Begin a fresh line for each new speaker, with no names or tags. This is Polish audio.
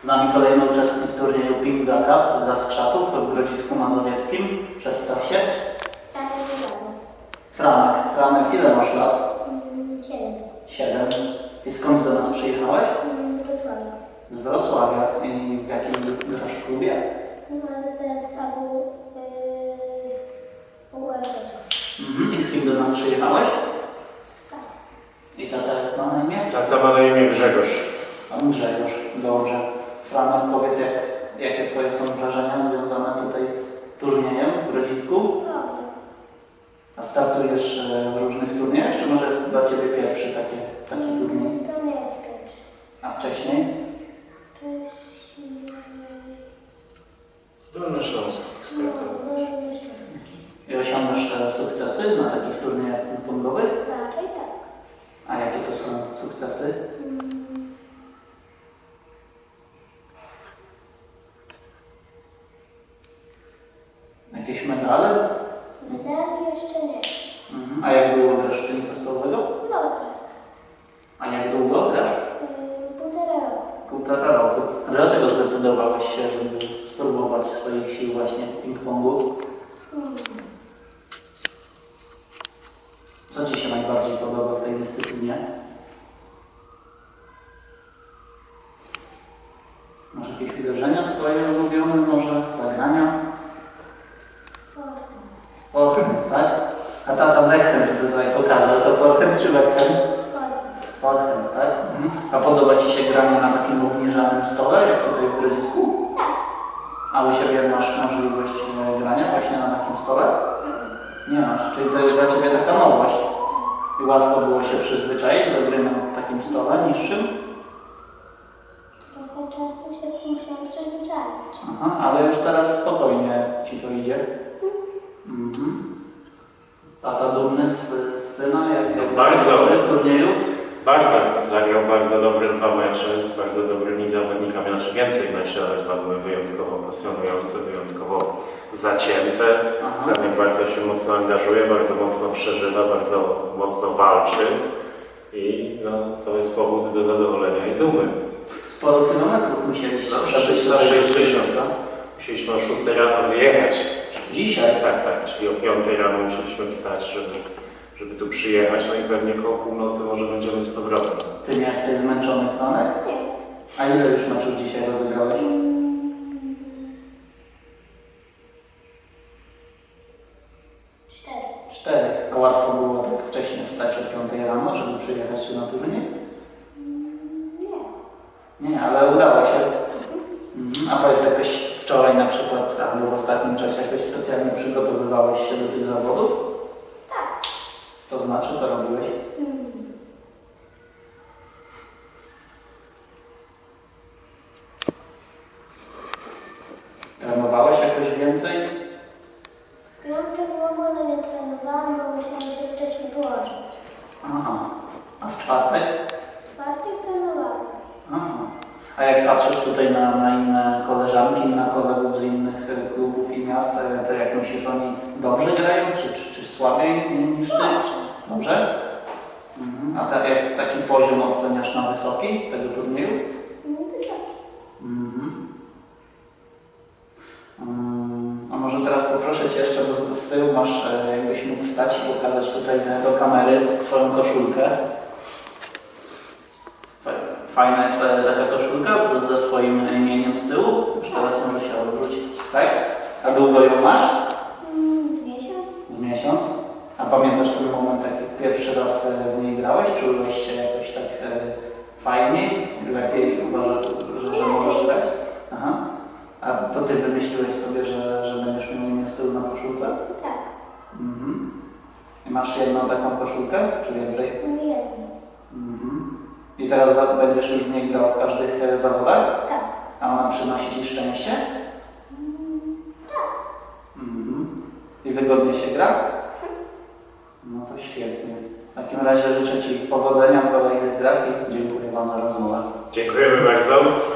Z nami kolejny uczestnik turnieju Pinga Cup dla Skrzatów w Grodzisku Mazowieckim. Przedstaw się. Franek. Franek, ile masz lat? 7. I skąd do nas przyjechałeś?
Z Wrocławia.
Z Wrocławia. I w jakim grasz w klubie?
To Abu
I z kim do nas przyjechałeś? I tata jak ma na imię?
Tata ma na imię Grzegorz.
Pan Grzegorz. Dobrze. Franek, powiedz, jakie twoje są wrażenia związane tutaj z turniejem w Grodzisku?
Dobrze.
A startujesz w różnych turniejach, czy może jest to dla Ciebie pierwszy taki turniej?
To nie jest pierwszy.
A wcześniej?
Dolny Śląsk.
I osiągasz sukcesy na takich turniejach ping-pongowych?
Raczej tak.
A jakie to są sukcesy? Jakieś medale?
Medali jeszcze nie.
A jak długo grasz w tenisa stołowego?
Dobrze.
A jak długo grasz?
1,5 roku.
1,5 roku. A dlaczego zdecydowałeś się, żeby spróbować swoich sił właśnie w ping-pongu? Co Ci się najbardziej podoba w tej dyscyplinie? Masz jakieś uderzenia swoje ulubione, może zagrania? Forehand, tak? A tata backhand tutaj pokazał, to forehand czy backhand? Forehand, tak? A podoba Ci się granie na takim obniżanym stole, jak tutaj w Grodzisku?
Tak.
A u siebie masz możliwość grania właśnie na takim stole? Nie masz, czyli to jest dla Ciebie taka nowość. I łatwo było się przyzwyczaić do gry na takim stole niższym?
Trochę czasu się musiałam przyzwyczaić.
Aha, ale już teraz spokojnie Ci to idzie. Tata dumny z syna, jak
Bardzo.
w turnieju?
Bardzo. Zagrał bardzo dobre 2 mecze z bardzo dobrymi zawodnikami. Znaczy więcej meczy, ale 2 były wyjątkowo pasjonujące, wyjątkowo zacięte. Franek bardzo się mocno angażuje, bardzo mocno przeżywa, bardzo mocno walczy. I to jest powód do zadowolenia i dumy.
Sporo kilometrów musieliście przebyć.
360. Musieliśmy o 6 rano wyjechać.
Dzisiaj?
Tak, czyli o 5 rano musieliśmy wstać, żeby tu przyjechać, no i pewnie koło północy może będziemy z powrotem.
Ty nie jesteś zmęczony, Franek?
Nie.
A ile już meczów dzisiaj rozegrałeś?
4.
4. A łatwo było tak wcześnie wstać o 5 rano, żeby przyjechać tu na turniej?
Nie.
Nie, ale udało się. A powiedz, jakoś wczoraj na przykład, albo w ostatnim czasie jakoś specjalnie przygotowywałeś się do tych zawodów?
Tak.
To znaczy, co robiłeś? Trenowałeś jakoś więcej?
W piątek w ogóle nie trenowałam, bo musiałam się wcześniej położyć.
Aha. A w czwartek?
W czwartek trenowałam.
Aha. A jak patrzysz tutaj na inne koleżanki, na kolegów z innych klubów i miast, to jak myślisz, oni dobrze grają, czy słabiej niż ty? Dobrze? A jak taki poziom oceniasz na wysoki tego turnieju?
Wysoki.
A może teraz poproszę Cię jeszcze, bo z tyłu masz, jakbyś mógł wstać i pokazać tutaj do kamery swoją koszulkę. Fajna jest taka koszulka ze swoim imieniem z tyłu. Już teraz może się odwrócić, tak? A długo ją masz?
Z miesiąc.
Z miesiąc. A pamiętasz ten moment, jak pierwszy raz w niej grałeś? Czułeś się jakoś tak fajniej? Lepiej uważasz, że możesz grać? Aha. A to Ty wymyśliłeś sobie, że będziesz miał imię z tyłu na koszulce?
Tak.
I masz jedną taką koszulkę, czy więcej?
Jedno.
I teraz będziesz już w niej grał w każdych zawodach?
Tak.
A ona przynosi Ci szczęście?
Tak.
I wygodnie się gra? No to świetnie. W takim razie życzę Ci powodzenia w kolejnych grach i dziękuję Wam za rozmowę.
Dziękujemy bardzo.